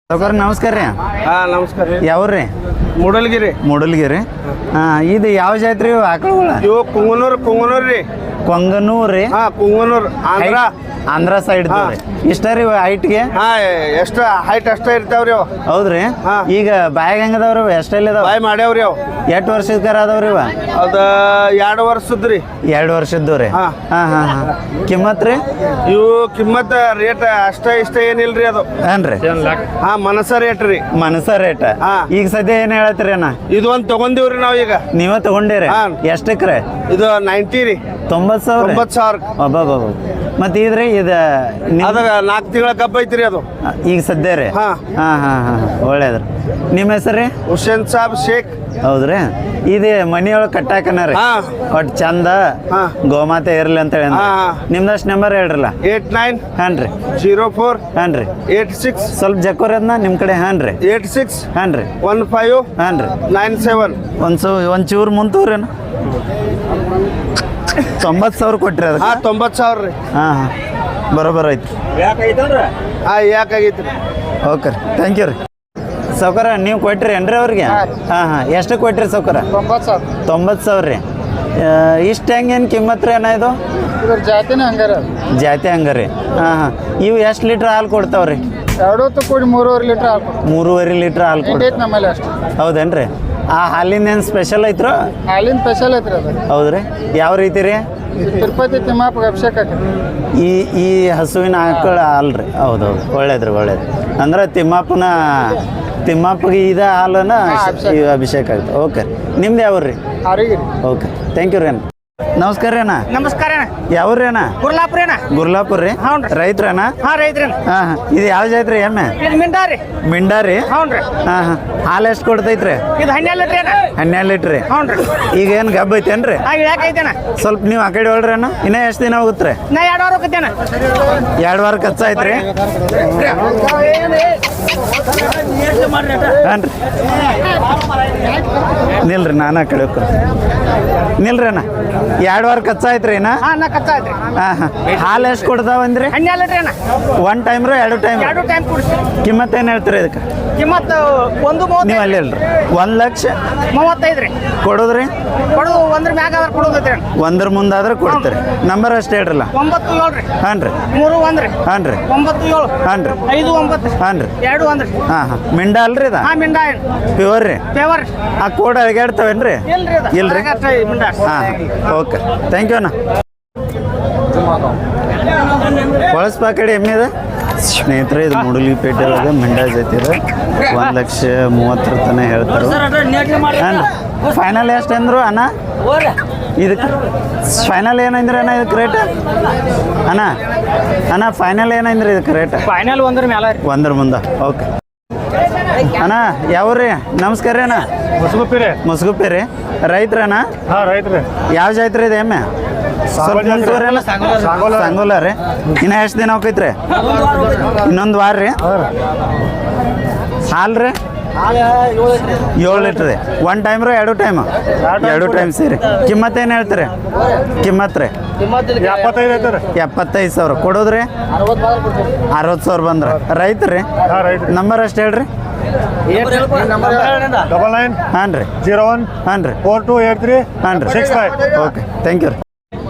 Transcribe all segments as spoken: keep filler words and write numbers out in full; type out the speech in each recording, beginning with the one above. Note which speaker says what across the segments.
Speaker 1: ಸೌಕರ್ ನಮಸ್ಕಾರ ರೀ.
Speaker 2: ಹಾಂ ನಮಸ್ಕಾರ ರೀ.
Speaker 1: ಯಾವ್ರಿ?
Speaker 2: ಮೂಡಲ್ಗಿರಿ.
Speaker 1: ಮೂಡಲ್ಗಿರಿ. ಹಾಂ ಇದು ಯಾವ ಜಾತ್ರೆ ಇವು ಆಕಳುಗಳ?
Speaker 2: ಇವು ಕುಂಗನೂರು ಕುಂಗನೂರು ರೀ.
Speaker 1: ಕೊಂಗನೂರು ರೀ.
Speaker 2: ಹಾಂ ಕುಂಗನೂರು ಆಂಧ್ರ
Speaker 1: ಆಂಧ್ರ ಸೈಡ್ ರೀ. ಇಷ್ಟ ರೀ ಹೈಟ್ಗೆ?
Speaker 2: ಹಾಂ ಎಷ್ಟು ಹೈಟ್ ಅಷ್ಟೇ ಇರ್ತಾವ್ರಿ ಅವು.
Speaker 1: ಹೌದ್ರಿ. ಈಗ ಬಾಯಾಗ ಹೆಂಗದವ್ರಿ ಎಷ್ಟೆಲ್ಲ ಇದಾವ?
Speaker 2: ಬಾಯ್ ಮಾಡ್ಯಾವ್ರಿ ಅವು.
Speaker 1: ಎಷ್ಟು ವರ್ಷದ ಕರ ಅದಾವ್ರಿ ಇವ?
Speaker 2: ಅದು ಎರಡು ವರ್ಷದ ರೀ.
Speaker 1: ಎರಡು ವರ್ಷದ್ದು ರೀ.
Speaker 2: ಹಾಂ
Speaker 1: ಹಾಂ ಹಾಂ ಹಾಂ ಕಿಮ್ಮತ್ ರೀ?
Speaker 2: ಇವು ಕಿಮ್ಮತ್ ರೇಟ್ ಅಷ್ಟ ಇಷ್ಟ ಏನಿಲ್ರಿ ಅದು.
Speaker 1: ಏನ್ರಿ?
Speaker 2: ಹಾಂ ಮನಸ ರೇಟ್ ರೀ.
Speaker 1: ಮನಸ ರೇಟ್.
Speaker 2: ಹಾಂ
Speaker 1: ಈಗ ಸದ್ಯ ಏನು ಹೇಳತ್ರಿ ಅಣ್ಣ?
Speaker 2: ಇದು ಒಂದು ತಗೊಂಡಿವ್ರಿ ನಾವು ಈಗ.
Speaker 1: ನೀವ ತಗೊಂಡಿರಿ?
Speaker 2: ಹಾಂ.
Speaker 1: ಎಷ್ಟಕ್ಕೆ ರೀ?
Speaker 2: ಇದು ನೈಂಟಿ ರೀ.
Speaker 1: ತೊಂಬತ್ತು ಸಾವಿರ?
Speaker 2: ತೊಂಬತ್ತು ಸಾವಿರ.
Speaker 1: ಅಬ್ಬಾ. ಮತ್ತೆ ಇದ್ರಿ ಇದು
Speaker 2: ಅದ ನಾಲ್ಕು ತಿಂಗಳ ಕಬ್ಬ ಐತ್ರಿ ಅದು
Speaker 1: ಈಗ ಸದ್ಯ ರೀ.
Speaker 2: ಹಾಂ
Speaker 1: ಹಾಂ ಹಾಂ ಹಾಂ ಒಳ್ಳೇದ್ರಿ. ನಿಮ್ಮ ಹೆಸರು ರೀ?
Speaker 2: ಹುಸೇನ್ ಸಾಬ್ ಶೇಖ್.
Speaker 1: ಹೌದ್ರಿ. ಇದು ಮನಿಯೊಳಗೆ ಕಟ್ಟಾಕನ ರೀ.
Speaker 2: ಹಾಂ
Speaker 1: ಒಟ್ಟು ಚಂದ
Speaker 2: ಹಾಂ
Speaker 1: ಗೋಮಾತೆ ಇರಲಿ ಅಂತ ಹೇಳಿ.
Speaker 2: ಹಾಂ
Speaker 1: ನಿಮ್ದಷ್ಟು ನಂಬರ್ ಹೇಳ್ರಲ್ಲ.
Speaker 2: ಏಟ್ ನೈನ್
Speaker 1: ಹಾಂ ರೀ.
Speaker 2: ಜೀರೋ ಫೋರ್
Speaker 1: ಹಾಂ ರೀ.
Speaker 2: ಏಟ್ ಸಿಕ್ಸ್
Speaker 1: ಸ್ವಲ್ಪ ಜಕ್ಕೋರಿ ಅದನ್ನ ನಿಮ್ಮ ಕಡೆ. ಹಾಂ ರೀ.
Speaker 2: ಏಟ್ ಸಿಕ್ಸ್
Speaker 1: ಹಾಂ ರೀ.
Speaker 2: ಒನ್ ಫೈವ್
Speaker 1: ಹಾಂ ರೀ.
Speaker 2: Nine seven.
Speaker 1: ಒಂದು ಸು ಒಂದು ಚೂರು ಮುಂತೂರೇನು? ತೊಂಬತ್ತು ಸಾವಿರ ಕೊಟ್ರಿ ಅದಕ್ಕೆ?
Speaker 2: ಹಾಂ ತೊಂಬತ್ತು ಸಾವಿರ ರೀ.
Speaker 1: ಹಾಂ ಹಾಂ ಬರೋಬರ ಐತಿ.
Speaker 2: ಹಾಂ ಯಾಕಾಗೈತಿ ರೀ.
Speaker 1: ಓಕೆ ರೀ. ಥ್ಯಾಂಕ್ ಯು ರೀ. ಸೌಕರ ನೀವು ಕೊಟ್ರಿ ಏನ್ರಿ ಅವ್ರಿಗೆ? ಹಾಂ ಹಾಂ ಎಷ್ಟು ಕೊಟ್ರಿ ಸೌಕರ?
Speaker 2: ತೊಂಬತ್ತು ಸಾವಿರ.
Speaker 1: ತೊಂಬತ್ತು ಸಾವಿರ ರೀ. ಇಷ್ಟು ಹೆಂಗೇನು ಕಿಮ್ಮತ್ ರೀ ಅಣ್ಣ ಇದು?
Speaker 2: ಇದ್ರ ಜಾತಿನೇ ಹಂಗಾರ.
Speaker 1: ಜಾತಿ ಹಂಗ ರೀ. ಹಾಂ ಹಾಂ ಇವು ಎಷ್ಟು ಲೀಟ್ರ್ ಹಾಲು ಕೊಡ್ತಾವ್ರಿ?
Speaker 2: ಎರಡು ಹೊತ್ತು ಕೂಡಿ ಮೂರುವರೆ ಲೀಟ್ರ್ ಹಾಲು.
Speaker 1: ಮೂರುವರೆ ಲೀಟ್ರ್ ಹಾಲು ಕೊಡ್ತೈತೆ
Speaker 2: ನಮ್ಮಲ್ಲಿ ಅಷ್ಟು.
Speaker 1: ಹೌದೇನ್ರಿ? ಆ ಹಾಲಿನ ಏನು ಸ್ಪೆಷಲ್ ಐತ್ರೋ?
Speaker 2: ಹಾಲಿನ ಸ್ಪೆಷಲ್ ಐತ್ರಿ ಅದು.
Speaker 1: ಹೌದ್ರಿ. ಯಾವ ರೀತಿ ರೀ?
Speaker 2: ತಿರುಪತಿ ತಿಮ್ಮಾಪಗೆ ಅಭಿಷೇಕ ಹಾಕಿ.
Speaker 1: ಈ ಈ ಹಸುವಿನ ಆಕಳ ಹಾಲು ರೀ? ಹೌದೌದು ಒಳ್ಳೇದ್ರಿ ಒಳ್ಳೇದು. ಅಂದ್ರೆ ತಿಮ್ಮಪ್ಪನ ತಿಮ್ಮಪ್ಪಗೆ ಇದ ಹಾಲನ್ನ ಈ ಅಭಿಷೇಕ ಆಗುತ್ತೆ. ಓಕೆ. ನಿಮ್ದು ಯಾವ ರೀ?
Speaker 2: ಆರೋಗ್ಯ.
Speaker 1: ಓಕೆ ಥ್ಯಾಂಕ್ ಯು ರೀ ಅಣ್ಣ. ನಮಸ್ಕಾರ ರೀ ಅಣ್ಣ.
Speaker 3: ನಮಸ್ಕಾರ ಅಣ್ಣ.
Speaker 1: ಯಾವ್ರಿ ಅಣ್ಣ?
Speaker 3: ಗುರ್ಲಾಪುರ ಅಣ್ಣ.
Speaker 1: ಗುರ್ಲಾಪುರ ರೀ.
Speaker 3: ಹ್ಞೂ ರೀ.
Speaker 1: ರೈತ್ರಣ್ಣ?
Speaker 3: ಹಾಂ ರೈತ್ರಿ ಅಣ್ಣ.
Speaker 1: ಹಾಂ ಹಾಂ ಇದು ಯಾವ ಜಾತ್ರಿ ಎಮ್ಮೆ?
Speaker 3: ಇದು ಮಿಂಡಾ ರೀ.
Speaker 1: ಮಿಂಡಾ ರೀ?
Speaker 3: ಹ್ಞೂ ರೀ.
Speaker 1: ಹಾಂ ಹಾಂ ಹಾಲು ಎಷ್ಟು ಕೊಡ್ತೈತ್ರಿ?
Speaker 3: ಇದು ಹನ್ನೆರಡು ಲೀಟ್ರ್ ಅಣ್ಣ.
Speaker 1: ಹನ್ನೆರಡು ಲೀಟ್ರ್ ರೀ.
Speaker 3: ಹ್ಞೂ ರೀ.
Speaker 1: ಈಗ ಏನು ಗಬ್ಬ ಐತೇನ್ರಿ?
Speaker 3: ಹಾಂ ಇಳಾಕೈತೆ ಅಣ್ಣ.
Speaker 1: ಸ್ವಲ್ಪ ನೀವು ಆ ಕಡೆ ಹೊಳ್ರಿ ಅಣ್ಣ. ಇನ್ನೂ ಎಷ್ಟು ದಿನ ಹೋಗುತ್ತೆ?
Speaker 3: ನಾ ಎರಡು ವಾರ ಹೋಗತ್ತೆ ಅಣ್ಣ.
Speaker 1: ಎರಡು ವಾರ ಖರ್ಚು ಆಯ್ತು ರೀ? ಹಾಂ ರೀ. ನಿಲ್ರಿ ನಾನು ಆ ಕಡೆ ಹೋಗ್ತೀನಿ. ನಿಲ್ರಿ ಅಣ್ಣ. ಎರಡು ವಾರ ಖರ್ಚು ಆಯ್ತು ರೀ ನಾ?
Speaker 3: ಹಾಂ ನಾ ಕಚ್ಚಾ ಆಯ್ತು.
Speaker 1: ಹಾಂ ಹಾಂ ಹಾಲು ಎಷ್ಟು ಕೊಡ್ತಾವಂದ್ರಿ?
Speaker 3: ಹನ್ನೆರಡು ಲೀಟ್ರ್ ಅಣ್ಣ.
Speaker 1: ಒನ್ ಟೈಮ್ ರೀ ಎರಡು ಟೈಮ್?
Speaker 3: ಎರಡು ಟೈಮ್ ಕುಡಿಸಿ.
Speaker 1: ಕಿಮ್ಮತ್ತು ಏನು ಹೇಳ್ತೀರಿ ಇದಕ್ಕೆ?
Speaker 3: ಕಿಮ್ಮತ್ತು ಒಂದು
Speaker 1: ನೀವು
Speaker 3: ಮೂವತ್ತು.
Speaker 1: ಅಲ್ಲಿ ಅಲ್ರಿ ಒಂದು ಲಕ್ಷ
Speaker 3: ಮೂವತ್ತೈದು ರೀ.
Speaker 1: ಕೊಡೋದ್ರಿ?
Speaker 3: ಕೊಡೋದು ಒಂದ್ರ ಮ್ಯಾಗ ಆದ್ರೆ ಕೊಡೋದೈತ್ರಿ ಅಣ್ಣ.
Speaker 1: ಒಂದ್ರ ಮುಂದಾದ್ರೆ ಕೊಡ್ತೀರಿ. ನಂಬರ್ ಅಷ್ಟು ಹೇಳ್ರಲ್ಲ.
Speaker 3: ಒಂಬತ್ತು ಏಳು ರೀ.
Speaker 1: ಹಾಂ ರೀ.
Speaker 3: ಮೂರು ಒಂದು ರೀ.
Speaker 1: ಹಾಂ ರೀ.
Speaker 3: ಒಂಬತ್ತು ಏಳು.
Speaker 1: ಹಾಂ ರೀ.
Speaker 3: ಐದು ಒಂಬತ್ತು.
Speaker 1: ಹಾಂ ರೀ.
Speaker 3: ಎರಡು ಒಂದು ರೀ.
Speaker 1: ಹಾಂ ಹಾಂ ಮಿಂಡಾ ಅಲ್ರಿ ಇದ?
Speaker 3: ಹಾಂ ಮಿಂಡಾ.
Speaker 1: ಪ್ಯೂರ್ ರೀ?
Speaker 3: ಪೇವರ್.
Speaker 1: ಆ ಕೋಡ್ ಅಳಗಾಡ್ತಾವೇನ್ರಿ?
Speaker 3: ಇಲ್ರಿ ಅದು.
Speaker 1: ಇಲ್ರಿ?
Speaker 3: ಅಷ್ಟೇ ಮಿಂಡಾ.
Speaker 1: ಹಾಂ ಓಕೆ ಥ್ಯಾಂಕ್ ಯು ಅಣ್ಣ. ಬಳಸ್ಪ ಕಡೆ ಎಮ್ಮೆ ಇದೆ ಸ್ನೇಹಿತರೆ. ಇದು ಮೂಡಲಗಿಪೇಟೆ ಒಳಗೆ ಮಿಂಡಾ ಜಾತಿ ಇದೆ. ಒಂದು ಲಕ್ಷ ಮೂವತ್ತರ ತನಕ ಹೇಳ್ತಾರೆ. ಹಾಂ ರೀ. ಫೈನಲ್ ಎಷ್ಟು ಅಂದರು ಅಣ್ಣ ಇದಕ್ಕೆ? ಫೈನಲ್ ಏನಂದ್ರೆ ಅಣ್ಣ ಇದಕ್ಕೆ ರೇಟ್? ಅಣ್ಣ ಅಣ್ಣ ಫೈನಲ್ ಏನಂದ್ರೆ ಇದಕ್ಕೆ ರೇಟ್?
Speaker 3: ಫೈನಲ್ ಒಂದ್ರ ಮೇಲೆ
Speaker 1: ಒಂದ್ರ ಮುಂದೆ. ಓಕೆ ಅಣ್ಣ ಯಾವ್ರಿ? ನಮಸ್ಕಾರ ರೀ ಅಣ್ಣ.
Speaker 2: ಮುಸುಗುಪ್ಪಿ ರೀ.
Speaker 1: ಮುಸುಗುಪ್ಪಿ ರೀ. ರೈತ್ರಣ್ಣ?
Speaker 2: ಹಾಂ ರೈತ್ರಿ.
Speaker 1: ಯಾವ ಜಾತ್ರೆ ಇದೆ ಎಮ್ಮೆ? ಸ್ವಲ್ಪ ಮುಂಚೂರಲ್ಲ ಸಂಗೋಲ ರೀ. ಇನ್ನು ಎಷ್ಟು ದಿನ ಹೋಗೈತ್ರಿ? ಇನ್ನೊಂದು ವಾರ ರೀ. ಹಾಲು ರೀ? ಏಳು ಲೀಟ್ರ್ ರೀ. ಒನ್ ಟೈಮ್ ರೀ ಎರಡು ಟೈಮ್? ಎರಡು ಟೈಮ್ ಸೇರಿ. ಕಿಮ್ಮತ್ತು ಏನು ಹೇಳ್ತೀರಿ? ಕಿಮ್ಮತ್ತು ರೀ?
Speaker 2: ಎಪ್ಪತ್ತೈದು ಐತೆ.
Speaker 1: ಎಪ್ಪತ್ತೈದು ಸಾವಿರ ಕೊಡೋದ್ರಿ? ಅರವತ್ತು ಸಾವಿರ ಬಂದ್ರೆ ರೈತ ರೀ? ನಂಬರ್ ಅಷ್ಟು ಹೇಳ್ರಿ.
Speaker 2: ಡಬಲ್ ನೈನ್
Speaker 1: ಹಾಂ ರೀ.
Speaker 2: ಜೀರೋ ಒನ್
Speaker 1: ಹಾಂ ರೀ.
Speaker 2: ಫೋರ್ ಟು ಏಟ್ ತ್ರೀ
Speaker 1: ಹಾಂ ರೀ.
Speaker 2: Six five.
Speaker 1: Okay thank you ರೀ.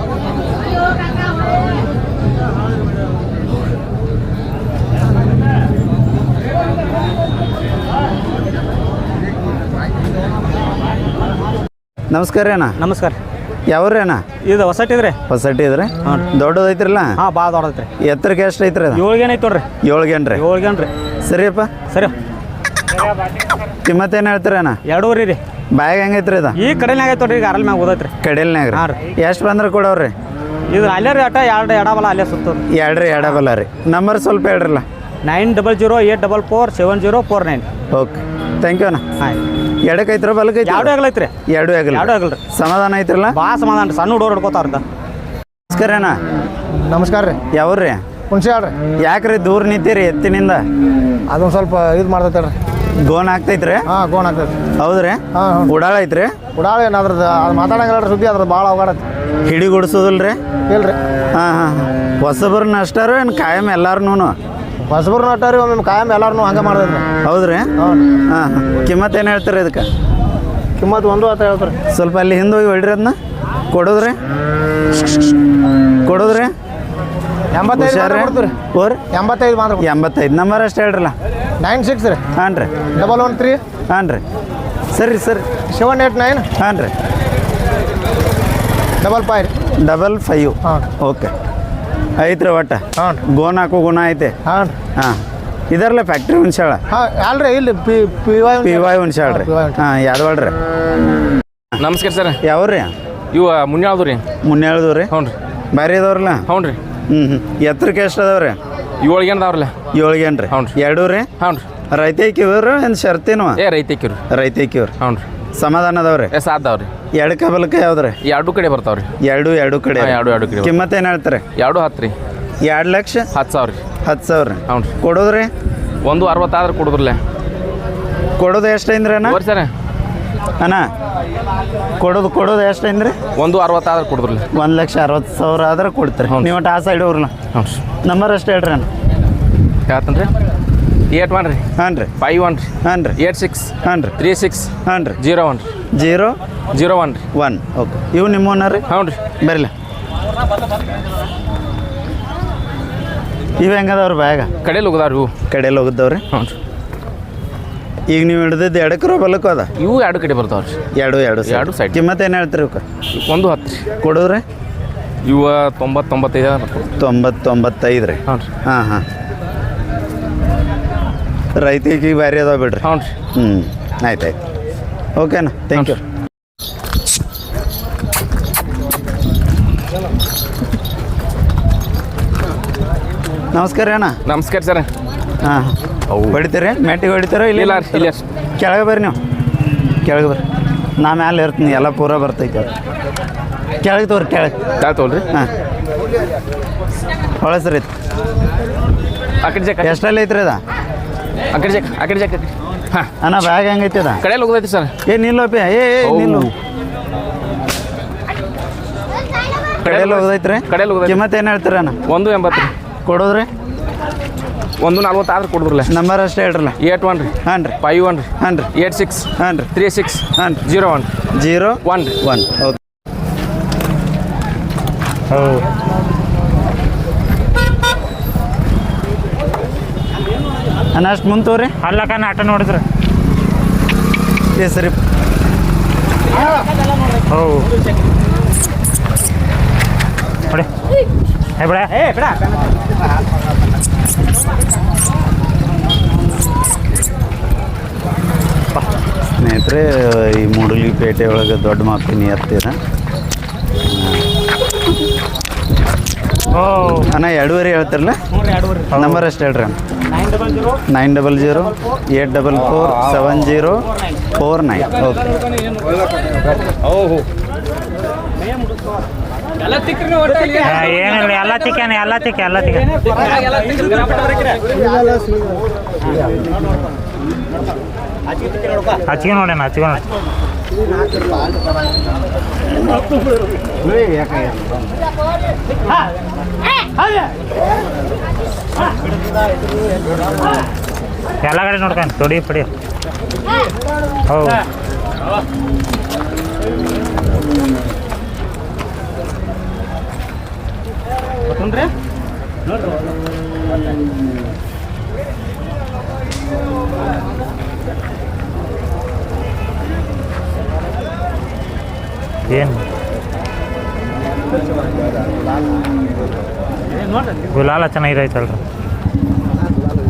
Speaker 1: ನಮಸ್ಕಾರ ರೀ ಅಣ್ಣ.
Speaker 3: ನಮಸ್ಕಾರ.
Speaker 1: ಯಾವ್ರಿ ಅಣ್ಣ?
Speaker 3: ಇದು ಹೊಸಟಿದ್ರಿ.
Speaker 1: ಹೊಸಟಿ ಇದ್ರಿ? ದೊಡ್ಡದೈತ್ರಲ್ಲ?
Speaker 3: ಹಾಂ ಭಾಳ ದೊಡ್ಡದೈತ್ರಿ.
Speaker 1: ಎತ್ತರಕ್ಕೆ ಎಷ್ಟು ಐತ್ರಿ ಅದು?
Speaker 3: ಏಳ್ಗೇನು ಐತೆ ನೋಡ್ರಿ.
Speaker 1: ಏಳ್ಗೇನು ರೀ?
Speaker 3: ಏಳ್ಗೇನು ರೀ.
Speaker 1: ಸರಿಯಪ್ಪ.
Speaker 3: ಸರಿ.
Speaker 1: ಕಿಮ್ಮತ್ತೇನು ಹೇಳ್ತೀರಿ ಅಣ್ಣ?
Speaker 3: ಎರಡೂವರೆ ರೀ.
Speaker 1: ಬ್ಯಾಗ್ ಹೆಂಗೈತ್ರಿ ಇದು?
Speaker 3: ಈ ಕಡೆನಾಗ ಐತೆ ನೋಡ್ರಿ. ಈಗ ಅರಲ್ ಮ್ಯಾಗ ಓದೈತ್ರಿ.
Speaker 1: ಕಡೆಯಲ್ನಾಗ
Speaker 3: ಹಾಂ
Speaker 1: ರೀ. ಎಷ್ಟು ಬಂದ್ರೆ ಕೊಡವ್ರಿ?
Speaker 3: ಇದು ಅಲ್ಲೇ ರೀ. ಅಟ ಎರಡು ಎಡಬಲ ಅಲ್ಲೇ ಸುತ್ತೋದು.
Speaker 1: ಎರಡು ರೀ ಎಡಬಲ್ಲ ರೀ. ನಂಬರ್ ಸ್ವಲ್ಪ ಹೇಳ್ರಲ್ಲ.
Speaker 3: Nine double zero eight double four seven zero four nine.
Speaker 1: Okay thank you ಅಣ್ಣ.
Speaker 3: ಹಾಂ
Speaker 1: ಎಡಕ್ಕೆ ಐತ್ರ ಬಲಕ್ಕೆ ಐತಿ?
Speaker 3: ಎರಡು ಆಗಲೈತ್ರಿ.
Speaker 1: ಎರಡು ಆಗಲ್ಲ.
Speaker 3: ಎರಡು ಆಗಲ್ರಿ.
Speaker 1: ಸಮಾಧಾನ ಐತ್ರಲ್ಲ?
Speaker 3: ಭಾಳ ಸಮಾಧಾನ ರೀ. ಸಣ್ಣ ಹುಡುಗರು ಹಿಡ್ಕೋತಾರಂತ.
Speaker 1: ನಮಸ್ಕಾರ ಅಣ್ಣ.
Speaker 2: ನಮಸ್ಕಾರ ರೀ.
Speaker 1: ಯಾವ್ರಿ?
Speaker 2: ಹುಣಸೆ ಹೇಳ್ರಿ.
Speaker 1: ಯಾಕ್ರಿ ದೂರ ನಿಂತೀರಿ ಎತ್ತಿನಿಂದ?
Speaker 2: ಅದೊಂದು ಸ್ವಲ್ಪ ಇದು ಮಾಡ್ತೈತೆ ರೀ.
Speaker 1: ಗೋನ್ ಆಗ್ತೈತ್ರಿ?
Speaker 2: ಹಾಂ ಗೋನ್ ಆಗ್ತೈತೆ.
Speaker 1: ಹೌದ್ರಿ?
Speaker 2: ಹಾಂ
Speaker 1: ಉಡಾಳ ಐತ್ರಿ?
Speaker 2: ಉಡಾಳ ಏನು ಅದ್ರದ್ದು ಅದು ಮಾತಾಡಂಗಿಲ್ಲ ಸುದ್ದಿ. ಅದ್ರದ್ದು ಭಾಳ ಅವಘಡೈತಿ.
Speaker 1: ಹಿಡಿ ಗುಡಿಸೋದಿಲ್ರಿ?
Speaker 2: ಇಲ್ರಿ.
Speaker 1: ಹಾಂ ಹಾಂ ಹಾಂ ಹೊಸಬ್ರನ್ನ ಅಷ್ಟಾರ ಏನು ಕಾಯಂ ಎಲ್ಲಾರು?
Speaker 4: ಹೊಸಬ್ರು ನಟ್ಟಾರಿ ಒಮ್ಮೆ ಕಾಯಂ ಎಲ್ಲಾರು ಹಂಗೆ ಮಾಡಿದ್ರಿ.
Speaker 1: ಹೌದ್ರಿ
Speaker 4: ಹ್ಞೂ
Speaker 1: ಹಾಂ ಹಾಂ ಕಿಮ್ಮತ್ತು ಏನು ಹೇಳ್ತೀರಿ ಇದಕ್ಕೆ?
Speaker 4: ಕಿಮ್ಮತ್ತು ಒಂದು ಹತ್ತು ಹೇಳ್ತಾರೆ.
Speaker 1: ಸ್ವಲ್ಪ ಅಲ್ಲಿ ಹಿಂದೆ ಹೋಗಿ ಹೊಡ್ರಿ ಅದನ್ನ ಕೊಡೋದ್ರಿ ಕೊಡೋದ್ರಿ
Speaker 4: ಎಂಬತ್ತೈದು ಮಾತ್ರ
Speaker 1: ಹುಷಾರ್ರಿ
Speaker 4: ಕೊಡ್ತೀರಿ.
Speaker 1: ಓರಿ
Speaker 4: ಎಂಬತ್ತೈದು ಮಾತ್ರ ಕೊಡ್ತೀರಿ.
Speaker 1: ಎಂಬತ್ತೈದು ನಂಬರ್ ಅಷ್ಟು ಹೇಳ್ರಲ್ಲ.
Speaker 4: ನೈನ್ ಸಿಕ್ಸ್ ರೀ
Speaker 1: ಹಾಂ ರೀ
Speaker 4: ಡಬಲ್ ಒನ್ ತ್ರೀ
Speaker 1: ಹಾಂ ರೀ ಸರಿ ಸರಿ
Speaker 4: ಸೆವೆನ್ ಏಟ್ ನೈನ್
Speaker 1: ಹಾಂ ರೀ
Speaker 4: ಡಬಲ್ ಫೈವ್ ರೀ.
Speaker 1: ಡಬಲ್ ಫೈವ್
Speaker 4: ಹಾಂ
Speaker 1: ಓಕೆ ಐತ್ರಿ ಒಟ್ಟು
Speaker 4: ಹಾಂ ರೀ
Speaker 1: ಗೋನ್ ಹಾಕೋ ಗುಣ ಐತೆ
Speaker 4: ಹಾಂ ರೀ
Speaker 1: ಹಾಂ ಇದರಲ್ಲ ಫ್ಯಾಕ್ಟ್ರಿ ಹುಣ್ಸಾಳ
Speaker 4: ಹಾಂ ಅಲ್ರಿ ಇಲ್ಲಿ P P Y
Speaker 1: P Y Hunsal ರೀ ಹಾಂ ಯಾದವಾಳ ರೀ
Speaker 5: ನಮಸ್ಕಾರ ಸರ್
Speaker 1: ಯಾವ್ರಿ
Speaker 5: ಇವ ಮುನ್ಯಾಳ್ದು ರೀ
Speaker 1: ಮುನ್ನೇಳ್ದು ರೀ
Speaker 5: ಹ್ಞೂ ರೀ
Speaker 1: ಭಾರಿ ಅದಾವ್ರಲ್ಲ
Speaker 5: ಹ್ಞೂ ರೀ
Speaker 1: ಹ್ಞೂ ಹ್ಞೂ ಎತ್ತರಕ್ಕೆ ಎಷ್ಟು ಅದಾವ್ರಿ?
Speaker 5: ಏಳಿಗೆ ಅದಾವ್ರಲ್ಲ
Speaker 1: ಏಳ್ಗೇನು ರೀ
Speaker 5: ಹ್ಞೂ ರೀ.
Speaker 1: ಎರಡು ರೀ
Speaker 5: ಹ್ಞೂ ರೀ
Speaker 1: ರೈತೈಕಿವ್ರು ಏನು ಶರ್ತಿನವ
Speaker 5: ಏ ರೈತಕ್ಕಿವ್ರಿ
Speaker 1: ರೈತೈಕಿವ್ರು
Speaker 5: ಹ್ಞೂ ರೀ
Speaker 1: ಸಮಾಧಾನ ಅದಾವ್ರಿ
Speaker 5: ಏ ಸಾದ್ದಾವ್ರಿ
Speaker 1: ಎರಡು ಕಬಲಕ್ಕೆ ಯಾವ್ದ್ರಿ?
Speaker 5: ಎರಡು ಕಡೆ ಬರ್ತಾವ್ರಿ
Speaker 1: ಎರಡು ಎರಡು ಕಡೆ
Speaker 5: ಹಾಂ, ಎರಡು ಎರಡು ಕಡೆ
Speaker 1: ಕಿಮ್ಮತ್ತು ಏನು ಹೇಳ್ತಾರೆ?
Speaker 5: ಎರಡು ಹತ್ತು ರೀ
Speaker 1: ಎರಡು ಲಕ್ಷ
Speaker 5: ಹತ್ತು ಸಾವಿರ ರೀ
Speaker 1: ಹತ್ತು ಸಾವಿರ ರೀ
Speaker 5: ಹ್ಞೂ ರೀ
Speaker 1: ಕೊಡೋದ್ರಿ?
Speaker 5: ಒಂದು ಅರವತ್ತಾದ್ರೆ ಕೊಡುದ್ರಲ್ಲ
Speaker 1: ಕೊಡೋದು ಎಷ್ಟು ಐಂದ್ರಿ ಅಣ್ಣ?
Speaker 5: ಬರ್ರಿ ಸರ್
Speaker 1: ಅಣ್ಣ ಕೊಡೋದು ಕೊಡೋದು ಎಷ್ಟು ಐಂದ್ರಿ?
Speaker 5: ಒಂದು ಅರವತ್ತಾದ್ರೆ ಕೊಡುದ್ರಲ್ಲ
Speaker 1: ಒಂದು ಲಕ್ಷ ಅರವತ್ತು ಸಾವಿರ ಆದ್ರೆ ಕೊಡ್ತೀರಿ
Speaker 5: ಹ್ಞೂ.
Speaker 1: ನೀವು ಒಟ್ಟು ಆ ಸೈಡ್ ಹೋಗ್ರಲ್ಲ
Speaker 5: ಹ್ಞೂ ರೀ
Speaker 1: ನಂಬರ್ ಅಷ್ಟು ಹೇಳ್ರಿ ಅಣ್ಣ.
Speaker 5: ಹೇಳ್ತಾನೆ ರೀ ಏಟ್ ಒನ್ ರೀ
Speaker 1: ಹಾಂ ರೀ
Speaker 5: ಫೈವ್ ಒನ್ ರೀ
Speaker 1: ಹಾಂ ರೀ
Speaker 5: ಏಟ್ ಸಿಕ್ಸ್
Speaker 1: ಹಾಂ ರೀ
Speaker 5: ತ್ರೀ ಸಿಕ್ಸ್
Speaker 1: ಹಾಂ ರೀ
Speaker 5: ಜೀರೋ ಒನ್ ರೀ
Speaker 1: ಜೀರೋ
Speaker 5: ಜೀರೋ ಒನ್ ರೀ
Speaker 1: ಒನ್ ಓಕೆ ಇವು ನಿಮ್ಮವನ್ನ ರೀ
Speaker 5: ಹ್ಞೂ ರೀ
Speaker 1: ಬರಲಿ ಇವು ಹೆಂಗದವ್ರಿ ಬ್ಯಾಗ
Speaker 5: ಕಡೆಯಲ್ಲಿ ಹೋಗದಾವ್ರಿ ಇವು
Speaker 1: ಕಡೆಯಲ್ಲಿ ಹೋಗಿದ್ದವ್ರಿ
Speaker 5: ಹ್ಞೂ ರೀ
Speaker 1: ಈಗ ನೀವು ಹಿಡಿದಿದ್ದು ಎಡಕ್ಕೆ ರೋ ಬಲ್ಲಕ್ಕೂ ಅದ
Speaker 5: ಇವು ಎರಡು ಕಡೆ ಬರ್ತಾವ್ರಿ
Speaker 1: ಎರಡು ಎರಡು
Speaker 5: ಎರಡು side.
Speaker 1: ಕಿಮ್ಮತ್ತು ಏನು ಹೇಳ್ತೀರಿ ಇವಕ್ಕೆ?
Speaker 5: ಒಂದು ಹತ್ತು ರೀ
Speaker 1: ಕೊಡೋದ್ರಿ?
Speaker 5: ಇವ ತೊಂಬತ್ತು ತೊಂಬತ್ತೈದು
Speaker 1: ತೊಂಬತ್ತು ತೊಂಬತ್ತೈದು ರೀ
Speaker 5: ಹ್ಞೂ ರೀ
Speaker 1: ಹಾಂ ಹಾಂ ರೈತಿಗೆ ಬ್ಯಾರಿ ಅದಾವ ಬಿಡ್ರಿ
Speaker 5: ಹ್ಞೂ ರೀ
Speaker 1: ಹ್ಞೂ ಆಯ್ತು ಆಯ್ತು ಓಕೆನಾ ಥ್ಯಾಂಕ್ ಯು ನಮಸ್ಕಾರ ಅಣ್ಣ
Speaker 5: ನಮಸ್ಕಾರ ಸರ್
Speaker 1: ಹಾಂ
Speaker 5: ಅವು.
Speaker 1: ಹೊಡಿತೀರಿ ಮೆಟ್ಟಿಗೆ ಹೊಡಿತೀರ
Speaker 5: ಇಲ್ಲ
Speaker 1: ಇಲ್ಲ
Speaker 5: ರೀ, ಇಲ್ಲ ರೀ.
Speaker 1: ಕೆಳಗೆ ಬರ್ರಿ ನೀವು ಕೆಳಗೆ ಬರ್ರಿ ನಾ ಮ್ಯಾಲೆ ಇರ್ತೀನಿ ಎಲ್ಲ ಪೂರ ಬರ್ತೈತೆ ಅದು ಕೆಳಗೆ ತೋರಿ ಕೆಳಗೆ
Speaker 5: ತಾಳ್ತವಲ್ರಿ
Speaker 1: ಹಾಂ ಹೊಳಸ್ರಿ
Speaker 5: ಆ ಕಡೆ ಜಾಕ
Speaker 1: ಎಷ್ಟಲ್ಲಿ ಐತ್ರಿ ಅದ
Speaker 5: ಆ ಕಡೆ ಜಾಕ ಆ ಕಡೆ ಜಾಕ ಹಾಂ
Speaker 1: ಅಣ್ಣ ಬ್ಯಾಗ್ ಹೆಂಗೈತಿ ಅದ
Speaker 5: ಕಡೆಯಲ್ಲಿ ಹೋಗೋದೈತಿ ಸರ್
Speaker 1: ಏ ನಿಲ್ಲೋಪಿ ಏ ಏ
Speaker 5: ಅವು.
Speaker 1: ನಿಲ್ಲು ಕಡೆಯಲ್ಲಿ ಹೋಗೋದೈತ್ರಿ
Speaker 5: ಕಡೆಯಲ್ಲಿ ಹೋಗೋದೈತಿ.
Speaker 1: ಕಿಮ್ಮತ್ತು ಏನು ಹೇಳ್ತೀರ ಅಣ್ಣ?
Speaker 5: ಒಂದು ಎಂಬತ್ತು ರೀ
Speaker 1: ಕೊಡೋದ್ರಿ?
Speaker 5: ಒಂದು ನಲ್ವತ್ತಾದ್ರೆ ಕೊಡಿದ್ರಲ್ಲ
Speaker 1: ನಂಬರ್ ಅಷ್ಟೇ ಹೇಳ್ರಲ್ಲ.
Speaker 5: ಏಟ್ ಒನ್ ರೀ
Speaker 1: ಹಾಂ ರೀ
Speaker 5: ಫೈವ್ ಒನ್ ರೀ
Speaker 1: ಹಾಂ ರೀ
Speaker 5: ಏಟ್ ಸಿಕ್ಸ್
Speaker 1: ಹಾಂ ರೀ
Speaker 5: ತ್ರೀ ಸಿಕ್ಸ್
Speaker 1: ಹಾಂ ರೀ
Speaker 5: ಜೀರೋ ಒನ್
Speaker 1: ಜೀರೋ
Speaker 5: ಒನ್ ರೀ
Speaker 1: ಒನ್ ಓಕೆ ಅಣ್ಣ ಅಷ್ಟು ಮುಂದೆ ತೋರಿ
Speaker 3: ಅಲ್ಲಕ್ಕ ಆಟ ನೋಡಿದ್ರೆ
Speaker 1: ಏ ಸರಿ
Speaker 3: ಹೋ ನೋಡಿ ಏ ಬಿಡ ಏ ಬಿಡ
Speaker 1: ಸ್ನೇಹಿತರೆ ಈ ಮೂಡಲಿ ಪೇಟೆ ಒಳಗೆ ದೊಡ್ಡ ಮಾಪಿನ ಎತ್ತಿದ
Speaker 3: ಓ
Speaker 1: ಅಣ್ಣ ಎರಡೂವರೆ ಹೇಳ್ತಿರಲ್ಲ ನಂಬರ್ ಅಷ್ಟು ಹೇಳ್ರಿ ಅಣ್ಣ.
Speaker 3: Nine double zero
Speaker 1: nine double zero eight double four seven zero four nine okay
Speaker 3: ಏನಿಲ್ಲ ಎಲ್ಲ ಚಿಕನ್ ಎಲ್ಲ ಚಿಕ್ಕ ಎಲ್ಲ ಚಿಕನ್ ಹಚ್ಗೆ ನೋಡೇನ ಹಚ್ಗೆ ನೋಡಿ ಎಲ್ಲ ಕಡೆ ನೋಡ್ಕೊಂಡು ತೊಡಿ ಪಡಿ ಹೌದು ಏನು ಗುಲಾಲ ಚೆನ್ನಾಗಿದೈತಲ್ರಿ